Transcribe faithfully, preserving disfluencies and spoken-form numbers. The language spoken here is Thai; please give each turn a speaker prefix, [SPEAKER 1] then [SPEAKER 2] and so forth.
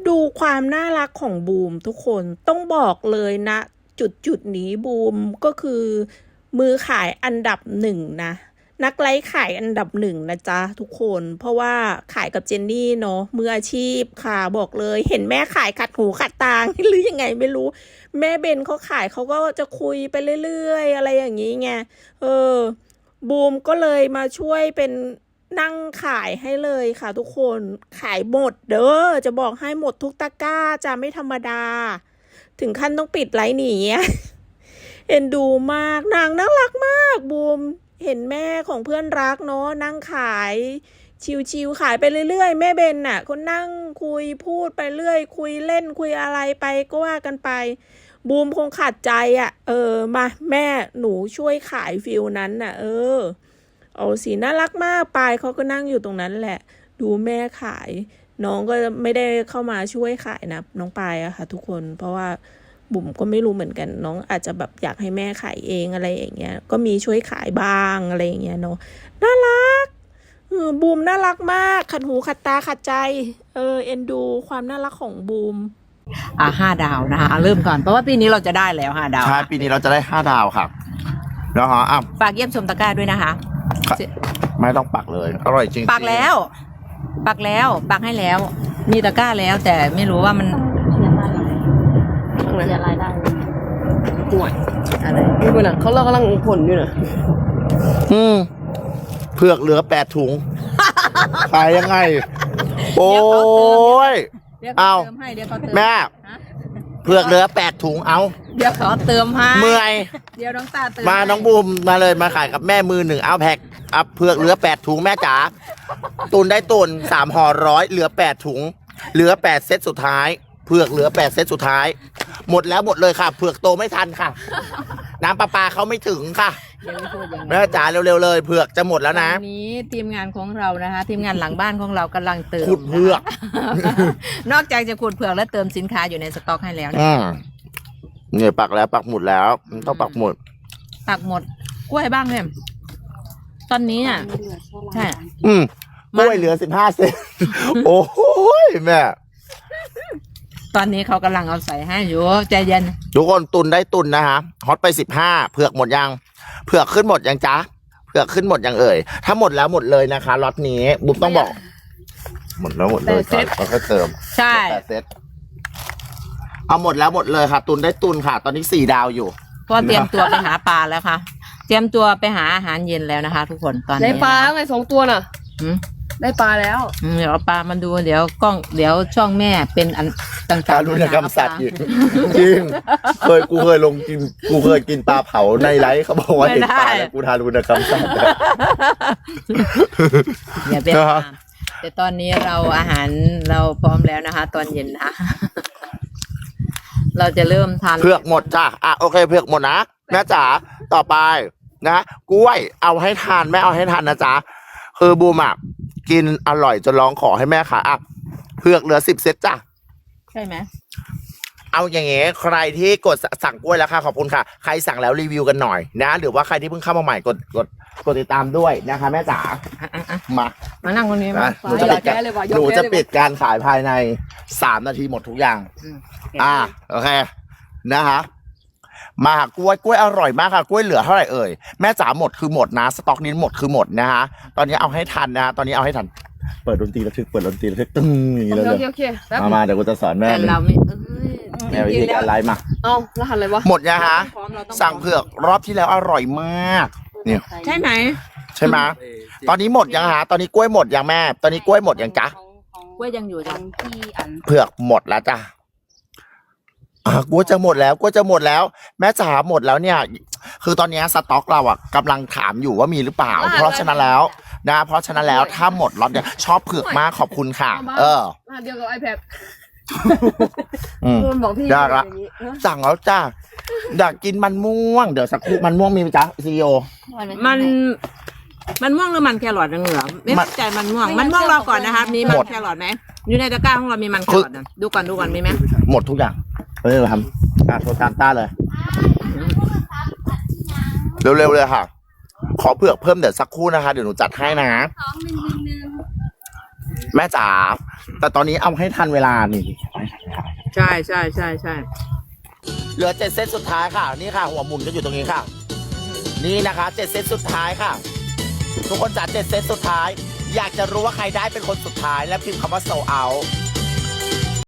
[SPEAKER 1] ดูความน่ารักของบูมทุกคนต้องบอกเลยนะจุดจุดนี้บูมก็คือมือขายอันดับหนึ่งนะนักไลฟ์ขายอันดับหนึ่งนะจ๊ะทุกคนเพราะว่าขายกับเจนนี่เนาะมืออาชีพค่ะบอกเลยเห็นแม่ขายขัดหูขัดตาหรือยังไงไม่รู้แม่เบนเขาขายเขาก็จะคุยไปเรื่อยๆอะไรอย่างนี้ไงเออบูมก็เลยมาช่วยเป็นนั่งขายให้เลยค่ะทุกคนขายหมดเด้อจะบอกให้หมดทุกตะกร้าจะไม่ธรรมดาถึงขั้นต้องปิดไลฟ์หนีเอ็นดูมากนางน่ารักมากบูมเห็นแม่ของเพื่อนรักเนาะนั่งขายชิวๆขายไปเรื่อยๆแม่เบนน่ะคนนั่งคุยพูดไปเรื่อยคุยเล่นคุยอะไรไปก็ว่ากันไปบูมคงขาดใจอ่ะเออมาแม่หนูช่วยขายฟิลนั้นน่ะเออเอาสีน่ารักมากปายเขาก็นั่งอยู่ตรงนั้นแหละดูแม่ขายน้องก็ไม่ได้เข้ามาช่วยขายนะน้องปายอะค่ะทุกคนเพราะว่าบุ๋มก็ไม่รู้เหมือนกันน้องอาจจะแบบอยากให้แม่ขายเองอะไรอย่างเงี้ยก็มีช่วยขายบ้างอะไรอย่างเงี้ยเนาะน่ารักเออบูมน่ารักมากขัดหูขัดตาขัดใจเออเอ็นดูความน่ารักของบูม
[SPEAKER 2] อ่าห้าดาวนะคะเริ่มก่อนเพราะว่าปีนี้เราจะได้แล้วห้าดาว
[SPEAKER 3] ใช่ปีนี้เราจะได้ห้าดาวค่ะแล้วฮะอ่ะ
[SPEAKER 2] ฝากเยี่ยมชมตะกร้าด้วยนะคะ
[SPEAKER 3] ไม่ต้องปักเลยอร่อยจริง
[SPEAKER 2] ปักแล้วปักแล้วปักให้แล้วมีตะกร้าแล้วแต่ไม่รู้ว่ามัน
[SPEAKER 4] เสียรายได้
[SPEAKER 2] ห่วยอะไร
[SPEAKER 4] นี่เป็นอ่ะเขาเรากำลังผลอยู่นะ
[SPEAKER 3] อืมเผือกเหลือแปดถุงขายยังไงโอ้ยเอาแม่เผือกเหลือแปดถุงเอา
[SPEAKER 2] เดี๋ยวขอเติมให้
[SPEAKER 3] เมื่อย
[SPEAKER 2] เดี๋ยวน้องตาเติม
[SPEAKER 3] มาน้องบูมมาเลยมาขายกับแม่มือหนึ่งเอาแพ็คอัพเผือกเหลือแปดถุงแม่จ๋าตุนได้ตุนสามห่อร้อยเหลือแปดถุงเหลือแปดเซตสุดท้ายเผือกเหลือแปดเซตสุดท้ายหมดแล้วหมดเลยค่ะเผือกโตไม่ทันค่ะน้ำประปาเขาไม่ถึงค่ะแม่จ๋าเร็วๆเลยเผือกจะหมดแล้วนะ
[SPEAKER 2] วันนี้ทีมงานของเรานะคะทีมงานหลังบ้านของเรากำลังเติม
[SPEAKER 3] ขุดเผือก
[SPEAKER 2] นอกจากจะขุดเผือกและเติมสินค้าอยู่ในสต็อกให้แล้ว
[SPEAKER 3] เนี่ยปักแล้วปักหมุดแล้วต้องปักหมุด
[SPEAKER 2] ปักหมดกล้วยบ้างเนี่ยตอนนี้อ่ะใช่
[SPEAKER 3] อืมกล้วยเหลือสิบห้าเซนโอ้โหแม่
[SPEAKER 2] ตอนนี้เขากำลังเอาใส่ให้อยู่ใจเย็น
[SPEAKER 3] ทุกคนตุนได้ตุนนะฮะฮอตไปสิบห้าเผือกหมดยังเผือกขึ้นหมดยังจ๊ะเผือกขึ้นหมดยังเอ่ยถ้าหมดแล้วหมดเลยนะคะล็อตนี้บุ๋มต้องบอกหมดแล้วหมดเลยก่อนเขาค่อยเติม
[SPEAKER 2] ใช่
[SPEAKER 3] เซตเอาหมดแล้วหมดเลยค่ะตุนได้ตุนค่ะตอนนี้สี่ดาวอยู่
[SPEAKER 2] ก็เตรียมตัวไปหาปลาแล้วค่ะเตรียมตัวไปหาอาหารเย็นแล้วนะคะทุกคนตอนนี้
[SPEAKER 4] ได้ปลาไงสองตัวน่ะได้ปลาแล้ว
[SPEAKER 2] เดี๋ยวปลามันดูเดี๋ยวกล้องเดี๋ยวช่องแม่เป็นอันต่างๆ
[SPEAKER 3] การุณกรรมสัตว์อีกจริงเคยกูเคยลงกินกูเคยกินปลาเผาในไลฟ์เขาบอกว่าเห็นปลาแล้วกูทารุณกรรมสัตว์
[SPEAKER 2] อย่าเป็นแต่ตอนนี้เราอาหารเราพร้อมแล้วนะคะตอนเย็นนะเราจะเริ่มทาน
[SPEAKER 3] เผือกหมดจ้ะอ่ะโอเคเผือกหมดนะแม่จ๋าต่อไปนะกล้วยเอาให้ทานแม่เอาให้ทานนะจ๊ะคือบูมอ่ะกินอร่อยจนร้องขอให้แม่ขายอ่ะเผือกเหลือสิบเซตจ้ะ
[SPEAKER 2] ใช่ไหม
[SPEAKER 3] เอาอย่างเงี้ยใครที่กดสั่งกล้วยแล้วค่ะขอบคุณค่ะใครสั่งแล้วรีวิวกันหน่อยนะหรือว่าใครที่เพิ่งเข้ามาใหม่กดกดกดติดตามด้วยนะคะแม่จ๋ามา
[SPEAKER 2] มานั่งคนนี้มา
[SPEAKER 3] หนูจะปิดการหนูจะปิดการขายภายในสามนาทีหมดทุกอย่างอ่าโอเคนะคะมากล้วยกล้วยอร่อยมากค่ะกล้วยเหลือเท่าไหร่เอ่ยแม่จ๋าหมดคือหมดนะสต็อกนี้หมดคือหมดนะฮะตอนนี้เอาให้ทันนะตอนนี้เอาให้ทันเปิดดนตรีระทึกเปิดดนตรีระทึกตึ้งอย่างนี้เลยมามาเดี๋ยวกูจะสอนแม่
[SPEAKER 2] แต่เราไม่
[SPEAKER 3] แม่วิธีการไลฟ์มา
[SPEAKER 4] เอ้าแล้วหันอะไรวะ
[SPEAKER 3] หมดยังฮะสั่งเผือกรอบที่แล้วอร่อยมากเนี่ย
[SPEAKER 2] ใช่ไหม
[SPEAKER 3] ใช่ไหมตอนนี้หมดยังฮะตอนนี้กล้วยหมดยังแม่ตอนนี้กล้วยหมดยังจ๊ะ
[SPEAKER 2] กล้วยยังอยู่จ้ะ
[SPEAKER 3] เผือกหมดแล้วจ้ะอ่ะกูจะหมดแล้วกูจะหมดแล้วแม่จ๋าหมดแล้วเนี่ยคือตอนนี้สต็อกเราอ่ะกำลังถามอยู่ว่ามีหรือเปล่าเพราะฉะนั้นแล้วนะเพราะฉะนั้นแล้วถ้าหมดล็อตเนี่ยชอบเผือกมากขอบคุณค่ะเออ
[SPEAKER 4] เดียวกับ iPad
[SPEAKER 3] อืมยากละสั่งแล้วจ้าอยากกินมันม่วงเดี๋ยวสักครู่มันม่วงมีไหมจ๊ะซีโอ
[SPEAKER 2] มันมันม่วงหรือมันแครอทเหลือไม่ใจมันม่วงมันม่วงรอก่อนนะคะมีมันแครอทไหมอยู่ในตะกร้าของเรามีมันแครอทนะดูก่อนดูก่อนมีไหม
[SPEAKER 3] หมดทุกอย่างเฮ้ยทำอ่ะโทรตามต้าเลยเร็วๆเลยค่ะขอเผือกเพิ่มเดี๋ยวสักครู่นะคะเดี๋ยวหนูจัดให้นะแม่จ๋าแต่ตอนนี้เอาให้ทันเวลานี่
[SPEAKER 2] ใช่ใช่ใช่ใช่
[SPEAKER 3] เหลือเจ็ดเซตสุดท้ายค่ะนี่ค่ะหัวหมุนก็อยู่ตรงนี้ค่ะนี่นะคะเจ็ดเซตสุดท้ายค่ะทุกคนจัดเจ็ดเซตสุดท้ายอยากจะรู้ว่าใครได้เป็นคนสุดท้ายแล้วพิมพ์คำว่าโซเอา